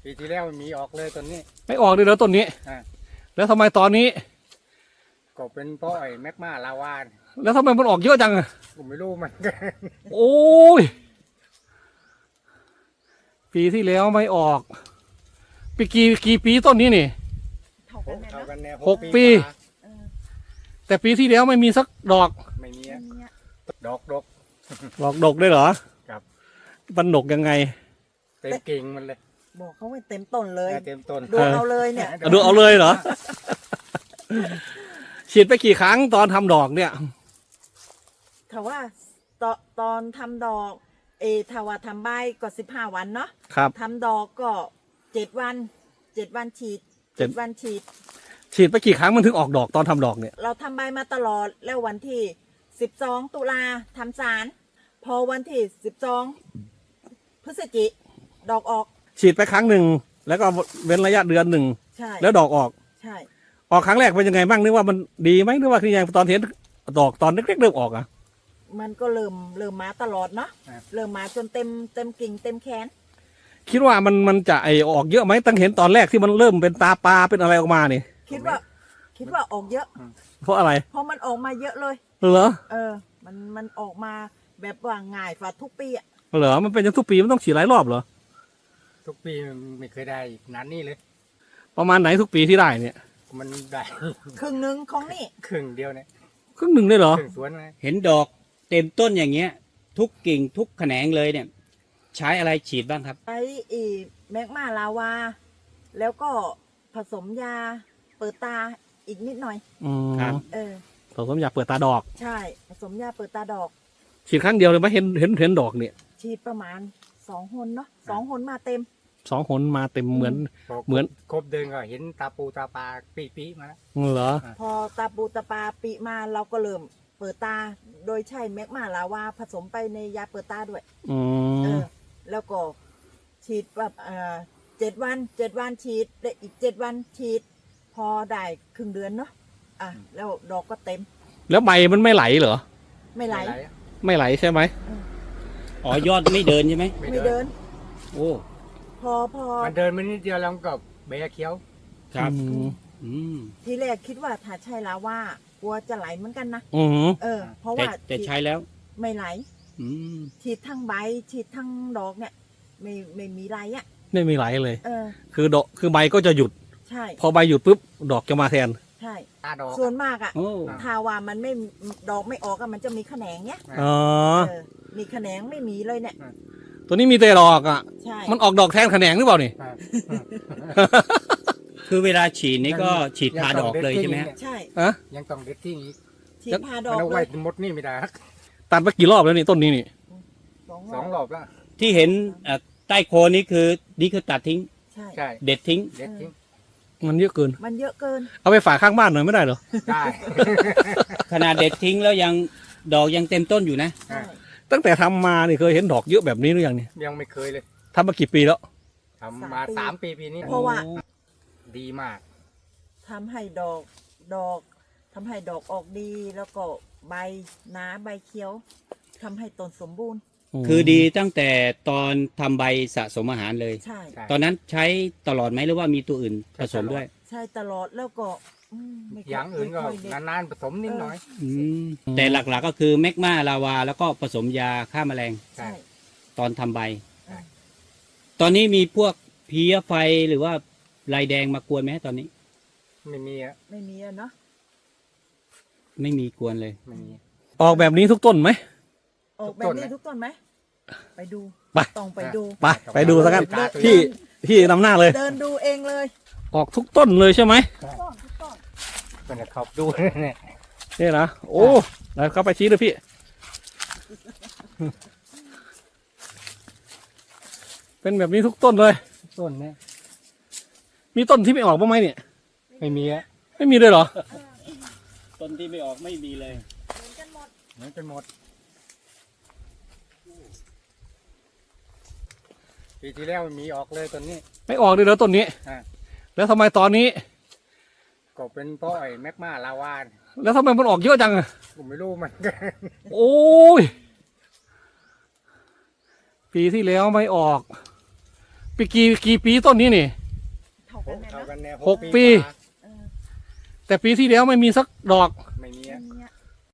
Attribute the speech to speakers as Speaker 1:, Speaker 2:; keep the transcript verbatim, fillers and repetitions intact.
Speaker 1: ปีที่แล้วมีออกเลยต้นนี้
Speaker 2: ไม่ออกเลยเหรอต้นนี้แล้วทำไมตอนนี้
Speaker 1: ก็เป็นเพราะไอ้แมกมาลาวา
Speaker 2: แล้วทำไมมันออกเยอะจังอะ
Speaker 1: ผมไม่รู้มันกัน
Speaker 2: โอ้ยปีที่แล้วไม่ออกปีกี่กี่ปีต้นนี้นี่หกปีแต่ปีที่แล้วไม่มีสักดอก
Speaker 1: ไม่มีดอกดอก
Speaker 2: ดอกดกได้เหรอ
Speaker 1: ครับ
Speaker 2: มันดกยังไง
Speaker 1: เต็มกิ่งมันเลย
Speaker 3: บอกเขาไม่เต็มต้นเลย
Speaker 1: เต็มต้น
Speaker 3: ดูเอาเลยเนี่ย
Speaker 2: ดูเอาเลยเหรอฉีดไปกี่ครั้งตอนทำดอกเนี่ย
Speaker 3: ถ้าว่าตอนตอนทำดอกเอถ้าว่าทำใบก็สิบห้าวันเนาะ
Speaker 2: ครับ
Speaker 3: ทำดอกก็เจ็ดวันเจ็ดวันฉีดเจ็ดวันฉีด
Speaker 2: ฉีดไปกี่ครั้งมันถึงออกดอกตอนทำดอกเนี่ย
Speaker 3: เราทำใบมาตลอดแล้ววันที่สิบสองตุลาทำสารพอวันที่สิบสองพฤศจิดอกออก
Speaker 2: ฉีดไปครั้งหนึ่งแล้วก็เว้นระยะเดือนหนึ่ง
Speaker 3: ใช่
Speaker 2: แล้วดอกออก
Speaker 3: ใช่
Speaker 2: ออกครั้งแรกเป็นยังไงบ้างนึกว่ามันดีไหมนึกว่าคือยังตอนเห็นดอกตอนเล็กๆเริ่มออกอ่ะ
Speaker 3: มันก็เริ่มเริ่มมาตลอดเนาะเริ่มมาจนเต็มเต็มกิ่งเต็มแขน
Speaker 2: คิดว่ามันมันจะไอออกเยอะไหมตั้งเห็นตอนแรกที่มันเริ่มเป็นตาปลาเป็นอะไรออกมานี่
Speaker 3: คิดว่าคิดว่าออกเยอะ
Speaker 2: เพราะอะไร
Speaker 3: เพราะมันออกมาเยอะเลย
Speaker 2: เหรอ
Speaker 3: เออมันมันออกมาแบบว่าง่ายฝ่าทุกปีอ่ะ
Speaker 2: เหรอมันเป็นอย่างทุกปีมันต้องฉีดหลายรอบเหรอ
Speaker 1: ทุกปีไม่เคยได้นานนี่เลย
Speaker 2: ประมาณไหนทุกปีที่ได้เนี่ย
Speaker 1: มันได้
Speaker 3: ครึ่งหนึ่งของนี่
Speaker 1: ครึ่งเดียวเนี่ย
Speaker 2: ครึ่งหนึ่งเลยเหรอ
Speaker 1: ครึ่งสวนเลย
Speaker 4: เห็นดอกเต็มต้นอย่างเงี้ยทุกกิ่งทุกแขนงเลยเนี่ยใช้อะไรฉีดบ้างครับ
Speaker 3: ใช้อีแมกมาลาวาแล้วก็ผสมยาเปิดตาอีกนิดหน่อย
Speaker 2: อืมครับ
Speaker 3: เออ
Speaker 2: ผสมยาเปิดตาดอก
Speaker 3: ใช่ผสมยาเปิดตาดอก
Speaker 2: ฉีดครั้งเดียวเลยไหมเห็นเห็นเห็นดอกเนี่ย
Speaker 3: ฉีดประมาณสองหนเนาะสองหนมาเต็ม
Speaker 2: สองหนมาเต็มเหมือนเหมือน
Speaker 1: ครบเดินก็เห็นตาปูตาปลาปีปีมาแล้ว
Speaker 2: เหรอ
Speaker 3: พอตาปูตาปลาปีมาเราก็เริ่มเปิดตาโดยใช้แมกมาลาวาผสมไปในยาเปิดตาด้วย
Speaker 2: อืม
Speaker 3: แล้วก็ฉีดแบบเอ่อเจ็ดวันเจ็ดวันฉีดได้อีกเจ็ดวันฉีดพอได้ครึ่งเดือนเนาะอ่ะแล้วดอกก็เต็ม
Speaker 2: แล้วใบมันไม่ไหลเหรอ
Speaker 3: ไม่ไหล
Speaker 2: ไม่ไหลใช่ไหม
Speaker 4: อ๋อยอดไม่เดินใช่ไหม
Speaker 3: ไม่เดิน
Speaker 4: โอ้
Speaker 3: พอพอ
Speaker 1: มันเดินมานิดเดียวแล้วก็เบียเคี้ยว
Speaker 4: ครับ
Speaker 3: ทีแรกคิดว่าถ้าใช่แล้วว่ากลัวจะไหลเหมือนกันนะเออเพราะว่า
Speaker 4: แต่ใช้แล้ว
Speaker 3: ไม่ไหลฉีดทั้งใบฉีดทั้งดอกเนี่ยไม่ไม่มีไหลอ่ะ
Speaker 2: ไม่มีไหลเลย
Speaker 3: เออ
Speaker 2: คือดอกคือใบก็จะหยุด
Speaker 3: ใช่
Speaker 2: พอใบหยุดปุ๊บดอกจะมาแทน
Speaker 3: ใช่ส่วนมากอ่ะถ้าว่ามันไม่ดอกไม่ออกมันจะมีแขนงเนี้ย
Speaker 2: อ๋อ
Speaker 3: มีแขนงไม่มีเลยเนี่ย
Speaker 2: ตัวนี้มีแต่ดอกอ่ะ
Speaker 3: ใช่
Speaker 2: มันออกดอกแทนแขนงหรือเปล่านี่
Speaker 4: คือเวลาฉีดนี่ก็ฉีดพาดอกเลยใช่ไหม
Speaker 3: ใช่
Speaker 2: อะ
Speaker 1: ยังต้องเด็ดทิ้งอีก
Speaker 3: ฉีดพาดอก
Speaker 1: เลยไว้หมดนี่ไม่ได้
Speaker 2: ตัดไปกี่รอบแล้วนี่ต้นนี้นี่
Speaker 1: สองรอบแล้ว
Speaker 4: ที่เห็นใต้โคนนี้คือนี่คือตัดทิ้ง
Speaker 3: ใช่
Speaker 4: เด็ดทิ้ง
Speaker 1: เด็ดทิ้ง
Speaker 2: มันเยอะเกิน
Speaker 3: มันเยอะเกิน
Speaker 2: เอาไปฝากข้างบ้านหน่อยไม่ได้เหรอ
Speaker 1: ได้
Speaker 4: ขนาดเด็ดทิ้งแล้วยังดอกยังเต็มต้นอยู่นะ
Speaker 2: ตั้งแต่ทำมานี่เคยเห็นดอกเยอะแบบนี้หรือยังเนี่ย
Speaker 1: ยังไม่เคยเลย
Speaker 2: ทำมากี่ปีแล้ว
Speaker 1: ทำมาสามปีปีนี้
Speaker 3: เพราะว่า
Speaker 1: ดีมาก
Speaker 3: ทำให้ดอกดอกทำให้ดอกออกดีแล้วก็ใบหนาใบเขียวทำให้ต้นสมบูรณ์
Speaker 4: คือดีตั้งแต่ตอนทำใบสะสมอาหารเลย
Speaker 3: ใช่
Speaker 4: ตอนนั้นใช้ตลอดไหมหรือว่ามีตัวอื่นผสมด้วย
Speaker 3: ใช่ตลอดแล้วก็
Speaker 1: อย่างอื่นก็นานๆผสมนิดหน่อย
Speaker 4: แต่หลักๆก็คือแมกมาลาวาแล้วก็ผสมยาฆ่าแมลง
Speaker 3: ใช่
Speaker 4: ตอนทำใบตอนนี้มีพวกเพลี้ยไฟหรือว่าลายแดงมากวนไหมตอนนี้
Speaker 1: ไม่มีอะ
Speaker 3: ไม่มีอะเนาะ
Speaker 4: ไม่มีกวนเลย
Speaker 1: ไม่มี
Speaker 2: ออกแบบนี้ทุกต้นไหม
Speaker 3: ออกแบบนี้ทุกต้นไหมไปดู
Speaker 2: ไป
Speaker 3: ต้องไปดู
Speaker 2: ไปไปดูสักกันพี่พี่นำหน้าเลย
Speaker 3: เดินดูเองเลย
Speaker 2: ออกทุกต้นเลยใช่ไหม
Speaker 3: ทุกต้น
Speaker 1: เป็นขอบดูเนี่ย
Speaker 2: นี่นะโอ้แล้วเข้าไปชี้เลยพี่เป็นแบบนี้ทุกต้นเลย
Speaker 1: ต้นเนี่ย
Speaker 2: มีต้นที่ไม่ออกบ้างไหมเนี่ย
Speaker 1: ไม่มีอะ
Speaker 2: ไม่มีเลยเหรอ
Speaker 4: ต้นที่ไม่ออกไม่มีเลย
Speaker 3: เหมือนกันหมด
Speaker 1: เหมือนกันหมดปีที่แล้วมีออกเลยต้นนี้
Speaker 2: ไม่ออกเลยเหรอต้นนี้แล้วทำไมตอนนี้
Speaker 1: ก็เป็นเพราะไอ้แมกมาลาวา
Speaker 2: แล้วทำไมมันออกเยอะจังอะ
Speaker 1: ผมไม่รู้มันกัน
Speaker 2: โอ้ยปีที่แล้วไม่ออกปีกี่กี่ปีต้นนี้นี่
Speaker 3: เท่ากันแน่
Speaker 1: เท่า
Speaker 3: เนาะ
Speaker 1: กันแน่
Speaker 2: หกปี
Speaker 3: เออ
Speaker 2: แต่ปีที่แล้วไม่มีสักดอก
Speaker 3: เ